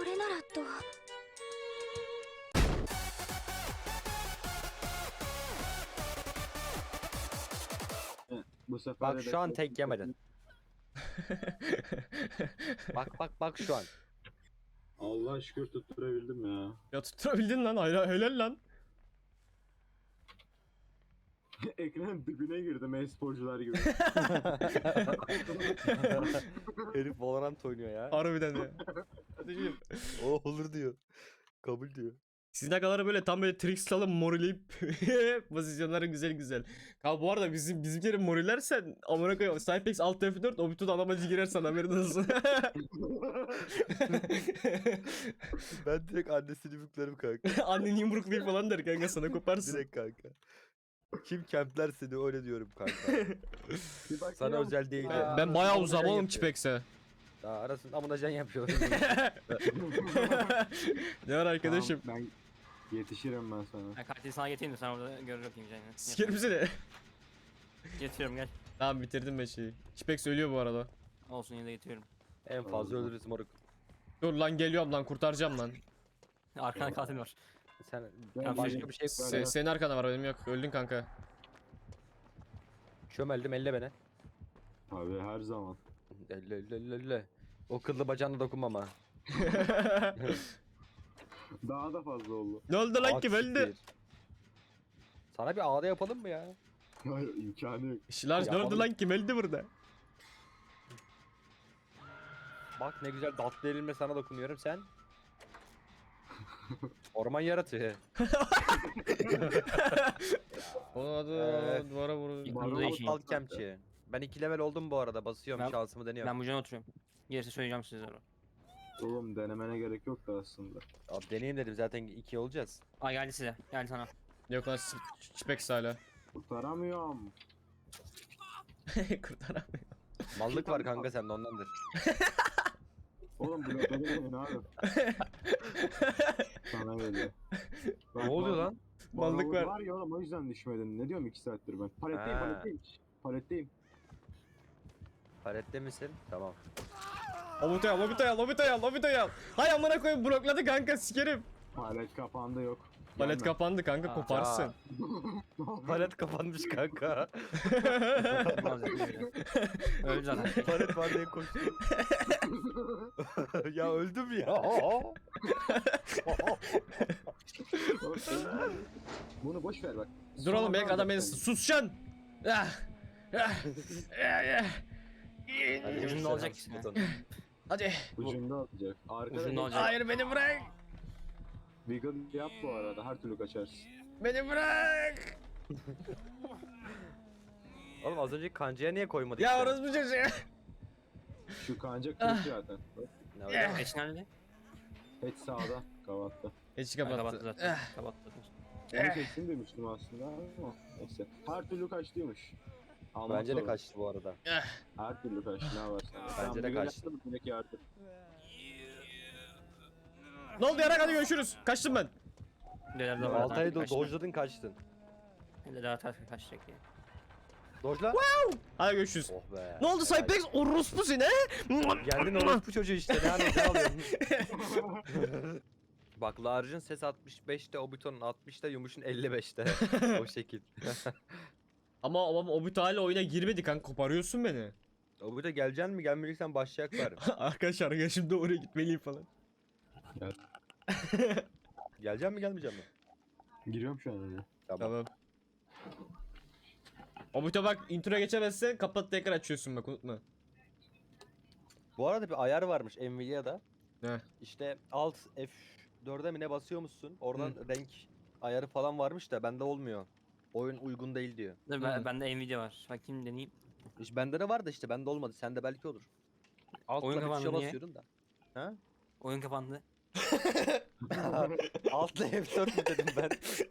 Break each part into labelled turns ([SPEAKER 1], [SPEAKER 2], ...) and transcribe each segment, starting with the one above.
[SPEAKER 1] これならと。
[SPEAKER 2] Bu sefer
[SPEAKER 3] Bak
[SPEAKER 2] de
[SPEAKER 3] şu an tek yemedin. Bak şu an.
[SPEAKER 2] Allah şükür tutturabildim ya.
[SPEAKER 4] Ya tutturabildin lan, hayır helal lan.
[SPEAKER 2] Ekran dibine girdim e-sporcular gibi.
[SPEAKER 3] Herif Valorant oynuyor ya.
[SPEAKER 4] Harbiden ya. Kardeşim,
[SPEAKER 3] O olur diyor. Kabul diyor.
[SPEAKER 4] sizin akaları böyle tam böyle tricks alıp morileyip pozisyonları güzel güzel. Kanka bu arada bizimkilerin morilersen amına koyayım. Cypex alt F4 Obitu'da alamacı girersen haberin olsun.
[SPEAKER 3] Ben direkt annesini büklerim kanka.
[SPEAKER 4] Annen yumruklayıp falan der kanka, sana koparsın.
[SPEAKER 3] Direkt kanka. Kim kempler seni öyle diyorum kanka.
[SPEAKER 2] Bir bak
[SPEAKER 3] Sana
[SPEAKER 2] ya,
[SPEAKER 3] özel değil.
[SPEAKER 4] Ben bayağı uzam oğlum
[SPEAKER 3] yapıyor.
[SPEAKER 4] Kipex'e.
[SPEAKER 3] Daha arasında amına can yapıyor.
[SPEAKER 4] Ne var arkadaşım?
[SPEAKER 2] Tamam, ben yetişirim ben sana.
[SPEAKER 5] Ben katili sana getireyim de sen orada görür bakayım canını.
[SPEAKER 4] Sikerim seni.
[SPEAKER 5] Getiriyorum gel.
[SPEAKER 4] Tamam bitirdim ben şeyi. Kipex ölüyor bu arada.
[SPEAKER 5] Olsun yine de getiriyorum.
[SPEAKER 3] En fazla ölürüz moruk.
[SPEAKER 4] Dur lan geliyorum lan, kurtaracağım lan.
[SPEAKER 5] Arkanda katil var.
[SPEAKER 3] Sen
[SPEAKER 2] Ben
[SPEAKER 3] başka bir şey
[SPEAKER 4] Senin arkanda var, benim yok. Öldün kanka.
[SPEAKER 3] çömeldim elle beni.
[SPEAKER 2] Abi her zaman.
[SPEAKER 3] Elle. O kıllı bacağına dokunmam ha.
[SPEAKER 2] Daha da fazla oldu.
[SPEAKER 4] Ne oldu lan
[SPEAKER 3] At
[SPEAKER 4] kim öldü?
[SPEAKER 3] siktir. Sana bir ağda yapalım mı ya?
[SPEAKER 2] Hayır imkanı yok.
[SPEAKER 4] Şilaj ne
[SPEAKER 3] Ya
[SPEAKER 4] oldu
[SPEAKER 3] oğlum.
[SPEAKER 4] lan kim öldü burada?
[SPEAKER 3] Bak ne güzel tatlı elimle sana dokunuyorum sen. Orman yaratığı.
[SPEAKER 4] Onun adı
[SPEAKER 3] Evet.
[SPEAKER 4] duvara vurdu.
[SPEAKER 5] Yıkıldı da işin.
[SPEAKER 3] Aptal kemçi. Ben 2 level oldum bu arada. Basıyorum
[SPEAKER 5] Ben-
[SPEAKER 3] şansımı deniyorum.
[SPEAKER 5] Ben bu cana oturuyorum. Gerisi söyleyeceğim size sonra.
[SPEAKER 2] Oğlum denemene gerek yok da aslında.
[SPEAKER 3] Abi deneyeyim dedim zaten 2 olacağız.
[SPEAKER 5] Aa geldi size. Geldi sana.
[SPEAKER 4] Yok lan Kipex hala.
[SPEAKER 2] Kurtaramıyorum.
[SPEAKER 4] Kurtaramıyor.
[SPEAKER 3] Mallık var kanka sende ondandır.
[SPEAKER 2] Oğlum blokladı beni abi. Sana geliyor.
[SPEAKER 3] Ne oluyor lan?
[SPEAKER 4] Mallık var.
[SPEAKER 2] Var ya oğlum o yüzden düşmedin. Ne diyorum 2 saattir ben. Paletteyim
[SPEAKER 3] Ha.
[SPEAKER 2] paletteyim. Paletteyim.
[SPEAKER 3] Palette misin? Tamam.
[SPEAKER 4] Obito'yu al. Hay amına koyayım, blokladı kanka, sikerim.
[SPEAKER 2] Palet kapandı yok.
[SPEAKER 4] Palet
[SPEAKER 2] Gelme.
[SPEAKER 4] kapandı kanka,
[SPEAKER 5] Aa,
[SPEAKER 4] koparsın.
[SPEAKER 3] Palet kapanmış kanka.
[SPEAKER 5] Öldü zaten.
[SPEAKER 3] Palet var diye koştum. Ya öldüm ya.
[SPEAKER 2] Bunu boş ver bak.
[SPEAKER 4] Dur oğlum,
[SPEAKER 2] Sonra
[SPEAKER 4] belki adam beni
[SPEAKER 2] sen.
[SPEAKER 4] susacaksın. Ah.
[SPEAKER 3] Hadi
[SPEAKER 5] Ucunda olacak işte.
[SPEAKER 4] Hadi.
[SPEAKER 2] Ucunda atacak. Arkada
[SPEAKER 5] Ucunda
[SPEAKER 2] bir
[SPEAKER 5] olacak.
[SPEAKER 4] Hayır, beni bırak.
[SPEAKER 2] Wiggle yap bu arada. Her türlü kaçarsın.
[SPEAKER 4] Beni bırak.
[SPEAKER 3] Oğlum az önceki kancaya niye koymadık?
[SPEAKER 4] Ya
[SPEAKER 3] sen?
[SPEAKER 4] orası bu çocuğu.
[SPEAKER 2] Şu kanca kırık zaten. Bak,
[SPEAKER 3] Ne öyle mi?
[SPEAKER 5] Eşin nerede?
[SPEAKER 2] et sağda. Kavatta.
[SPEAKER 4] Hiç
[SPEAKER 5] Kapattı
[SPEAKER 4] kapattı.
[SPEAKER 5] zaten. Kapattı.
[SPEAKER 2] Onu kesin demiştim aslında ama neyse. Her türlü kaçtıymış. Almak
[SPEAKER 3] Bence de
[SPEAKER 2] zorunda.
[SPEAKER 3] kaçtı bu arada.
[SPEAKER 2] Her türlü kaçtı. Ne varsa.
[SPEAKER 3] Bence de kaçtı.
[SPEAKER 2] Direkt yardım.
[SPEAKER 4] Ne oldu yarak, hadi görüşürüz. Kaçtım ben.
[SPEAKER 5] Neler de var.
[SPEAKER 3] Altay'ı dojladın kaçtın.
[SPEAKER 5] Neler daha ters kaçacak diye.
[SPEAKER 3] Dojla.
[SPEAKER 4] Hadi görüşürüz.
[SPEAKER 3] Oh be.
[SPEAKER 4] Ne oldu Cypex? Orospu seni.
[SPEAKER 3] Geldin orospu çocuğu işte. Ne anı ne alıyorsun? Bak Large'ın ses 65'te, Obito'nun 60'ta, Yumuş'un 55'te. O şekil.
[SPEAKER 4] Ama Obito hala oyuna girmedi kanka, koparıyorsun beni.
[SPEAKER 3] Obito geleceksin mi gelmeyeceksen başlayacaklar.
[SPEAKER 4] Arkadaşlar ya, şimdi oraya gitmeliyim falan.
[SPEAKER 2] Gel.
[SPEAKER 3] Geleceksin mi gelmeyeceksin mi?
[SPEAKER 2] Giriyorum şu an oraya.
[SPEAKER 3] Tamam.
[SPEAKER 4] Tamam. Obito bak, introya geçemezsen kapat, tekrar açıyorsun bak, unutma.
[SPEAKER 3] Bu arada bir ayar varmış Nvidia'da.
[SPEAKER 4] Ne?
[SPEAKER 3] İşte alt F4'e mi ne basıyormuşsun? Oradan renk ayarı falan varmış da bende olmuyor. Oyun uygun değil diyor.
[SPEAKER 5] Dur bende Nvidia var. Bakayım deneyeyim.
[SPEAKER 3] İşte bende de var da işte bende olmadı. Sende belki olur. Alt
[SPEAKER 5] Oyun
[SPEAKER 3] tuşa
[SPEAKER 5] kapandı niye?
[SPEAKER 3] basıyorum da. Ha?
[SPEAKER 5] Oyun kapandı.
[SPEAKER 3] Altla F4 mü dedim ben?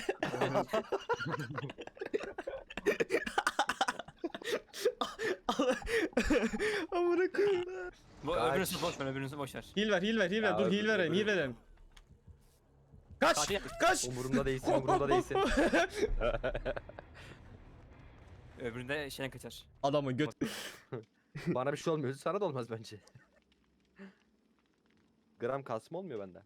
[SPEAKER 4] Amına koyayım.
[SPEAKER 5] Öbürünüzü boş ver, öbürünüzü boş ver.
[SPEAKER 4] Heal ver.
[SPEAKER 3] Ya,
[SPEAKER 4] Dur heal
[SPEAKER 3] öbürü.
[SPEAKER 4] verelim. Kaç!
[SPEAKER 5] Katil.
[SPEAKER 4] Kaç!
[SPEAKER 3] Umurumda değilsin, umurumda değilsin.
[SPEAKER 5] Öbüründe şeyden kaçar.
[SPEAKER 4] Adamın göt.
[SPEAKER 3] Bana bir şey olmuyor. Sana da olmaz bence. gram kasma olmuyor bende.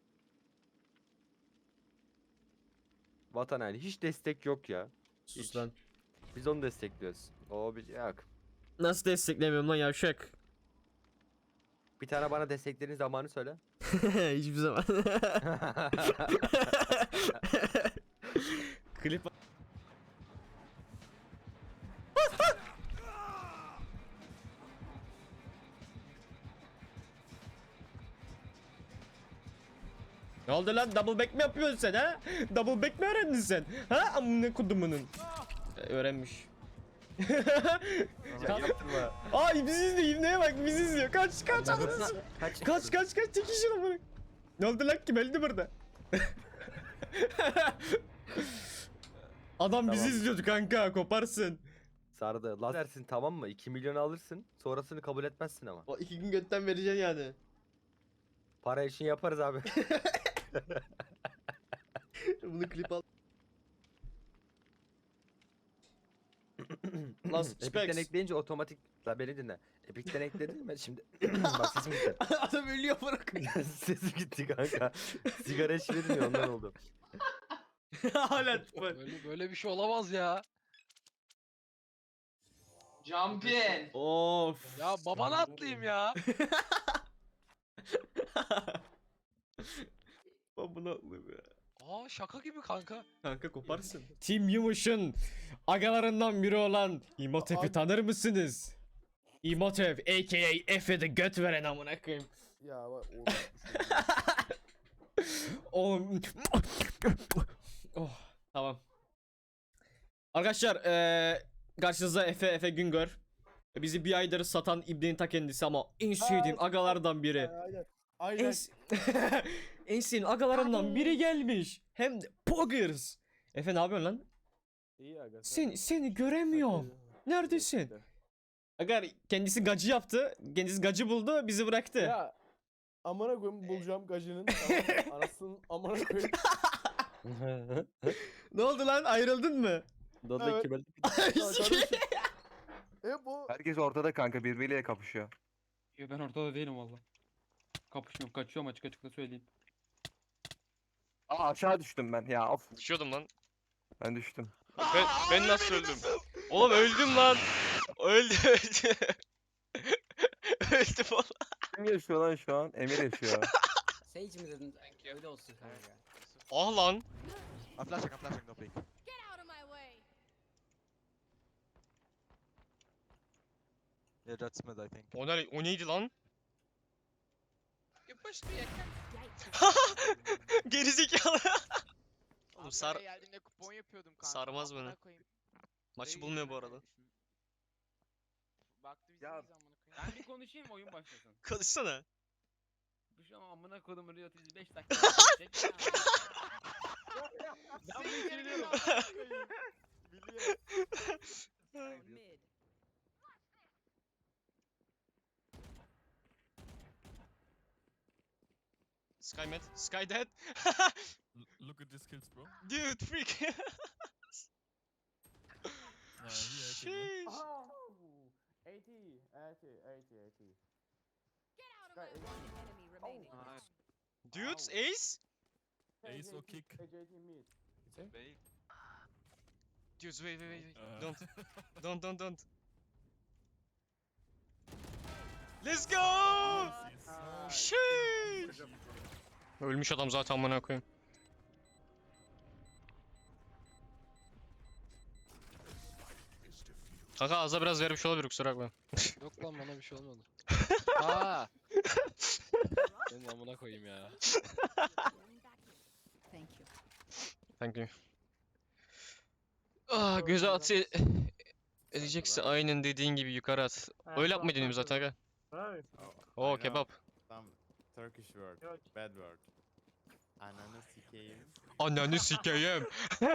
[SPEAKER 3] Vatan haini hiç destek yok ya.
[SPEAKER 4] Sus
[SPEAKER 3] Hiç.
[SPEAKER 4] lan.
[SPEAKER 3] Biz onu destekliyoruz. O bir yok.
[SPEAKER 4] Nasıl desteklemiyorum lan yavşak?
[SPEAKER 3] Bir tane bana desteklediğin zamanı söyle.
[SPEAKER 4] Hiçbir zaman. Klip Ne oldu lan? Double back mi yapıyorsun sen ha? Double back mi öğrendin sen? Ha? Amına kudumunun. Öğrenmiş.
[SPEAKER 3] Ya yaptırma.
[SPEAKER 4] Ay bizi izliyor. İbneye bak bizi izliyor. Kaç kaç.
[SPEAKER 5] Kaç.
[SPEAKER 4] Kaç tek kişi lan bunu. Ne oldu lan kim öldü burada? Adam bizi
[SPEAKER 3] Tamam.
[SPEAKER 4] izliyordu kanka koparsın.
[SPEAKER 3] Sardı. Lazersin tamam mı? 2 milyon alırsın. Sonrasını kabul etmezsin ama.
[SPEAKER 4] O 2 gün götten vereceksin yani.
[SPEAKER 3] Para için yaparız abi.
[SPEAKER 4] Bunu klip al. Lan
[SPEAKER 3] Epic'ten
[SPEAKER 4] Specs.
[SPEAKER 3] ekleyince otomatik... La beni dinle. Epic'ten ekledin mi şimdi? Bak sesim gitti.
[SPEAKER 4] Adam ölüyor bırak.
[SPEAKER 3] Sesim gitti kanka. Sigara içmedim ya ondan oldu.
[SPEAKER 4] Hala bak.
[SPEAKER 1] Böyle bir şey olamaz ya.
[SPEAKER 6] Jumpin.
[SPEAKER 4] Of.
[SPEAKER 1] Ya babana atlayayım ya.
[SPEAKER 4] Ben bunu atlayayım ya.
[SPEAKER 1] Aa şaka gibi kanka.
[SPEAKER 4] Kanka koparsın. Team Yumuş'un agalarından biri olan İmotep'i tanır mısınız? İmotep aka Efe'de göt veren amına koyayım.
[SPEAKER 7] Ya bak
[SPEAKER 4] Oğlum. Oh, tamam. Arkadaşlar karşınızda Efe Güngör. Bizi bir aydır satan İbne'nin ta kendisi ama en sevdiğim agalardan biri.
[SPEAKER 7] aynen.
[SPEAKER 4] En,
[SPEAKER 7] Aynen.
[SPEAKER 4] en sevdiğim agalarından biri gelmiş. Hem de Poggers. Efe ne yapıyorsun lan?
[SPEAKER 7] İyi aga.
[SPEAKER 4] Seni göremiyorum. Neredesin? Aga kendisi gacı yaptı. Kendisi gacı buldu, bizi bıraktı.
[SPEAKER 7] Ya amına koyayım bulacağım gacının. Tamam mı? Anasının amına koyayım.
[SPEAKER 4] Ne oldu lan? Ayrıldın mı?
[SPEAKER 3] Dadı
[SPEAKER 7] Evet.
[SPEAKER 3] kime?
[SPEAKER 7] Ya kardeşim. Bu
[SPEAKER 8] Herkes ortada kanka birbiriyle kapışıyor.
[SPEAKER 9] Yo, ben ortada değilim valla. Kapışmıyorum, kaçıyorum açık açık da söyleyeyim.
[SPEAKER 8] Aa aşağı düştüm ben ya of.
[SPEAKER 10] Düşüyordum lan.
[SPEAKER 8] Ben düştüm.
[SPEAKER 10] Ben nasıl öldüm? Oğlum öldüm lan. Öldüm. Öldüm oğlum.
[SPEAKER 8] Kim yaşıyor lan şu an? Emir yaşıyor.
[SPEAKER 5] Sage mi dedin? Öyle olsun kanka.
[SPEAKER 10] Ah lan.
[SPEAKER 8] I'm flashing no peek.
[SPEAKER 11] Get out of my way.
[SPEAKER 8] Yeah that's mid I think.
[SPEAKER 10] O neydi lan?
[SPEAKER 6] You pushed me again.
[SPEAKER 10] Gerizekalı. Oğlum
[SPEAKER 6] Ankara'ya geldiğimde kupon yapıyordum kanka.
[SPEAKER 10] sarmaz
[SPEAKER 6] amına
[SPEAKER 10] beni.
[SPEAKER 6] koyayım.
[SPEAKER 10] Maçı
[SPEAKER 6] Değil
[SPEAKER 10] bulmuyor bu
[SPEAKER 6] yani.
[SPEAKER 10] arada.
[SPEAKER 6] Baktı biz
[SPEAKER 8] Ya-
[SPEAKER 6] neyiz amına koyayım.
[SPEAKER 9] Ben bir konuşayım oyun başlasın.
[SPEAKER 10] Konuşsana.
[SPEAKER 9] Bu şu an amına kodum Riot 5 dakika. çek. Ben bunu söylüyorum.
[SPEAKER 10] Sky mid. Sky dead.
[SPEAKER 12] Look at these kills, bro.
[SPEAKER 10] Dude freak. Sheesh.
[SPEAKER 7] Oh, 80.
[SPEAKER 11] Get out of my way. One enemy remaining.
[SPEAKER 10] Dudes ace.
[SPEAKER 12] Ace or kick.
[SPEAKER 10] Dudes wait.
[SPEAKER 12] Uh,
[SPEAKER 10] Don't. Let's go. Sheesh. Ölmüş adam zaten amına koyayım. Kanka ağza biraz vermiş olabilir kusura bakma.
[SPEAKER 1] Yok lan bana bir şey olmadı. Aa. Senin amına koyayım ya.
[SPEAKER 11] Thank you.
[SPEAKER 10] Thank you. Ah göze atı edecekse aynen dediğin gibi yukarı at. Öyle yapmayı deniyorum zaten aga. Oo kebap.
[SPEAKER 7] Turkish word. Bad word. Ananı sikeyim.
[SPEAKER 10] Ananı sikeyim.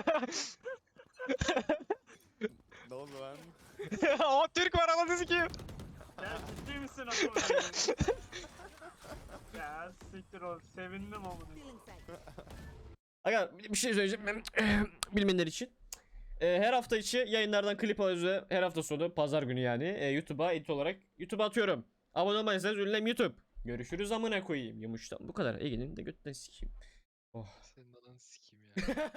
[SPEAKER 7] Ne oldu lan?
[SPEAKER 10] O Türk var ananı sikeyim.
[SPEAKER 2] Ya ciddi misin Ya siktir ol. Sevindim ama.
[SPEAKER 11] Feeling safe.
[SPEAKER 4] Aga bir şey söyleyeceğim bilmeyenler için. Her hafta içi yayınlardan klip alıyoruz ve her hafta sonu pazar günü yani YouTube'a edit olarak YouTube'a atıyorum. Abone olmayırsanız ünlem YouTube. Görüşürüz amına koyayım. Yumuştan bu kadar. Ege'nin de götten sikeyim. Oh.
[SPEAKER 1] Senin anan sikeyim ya.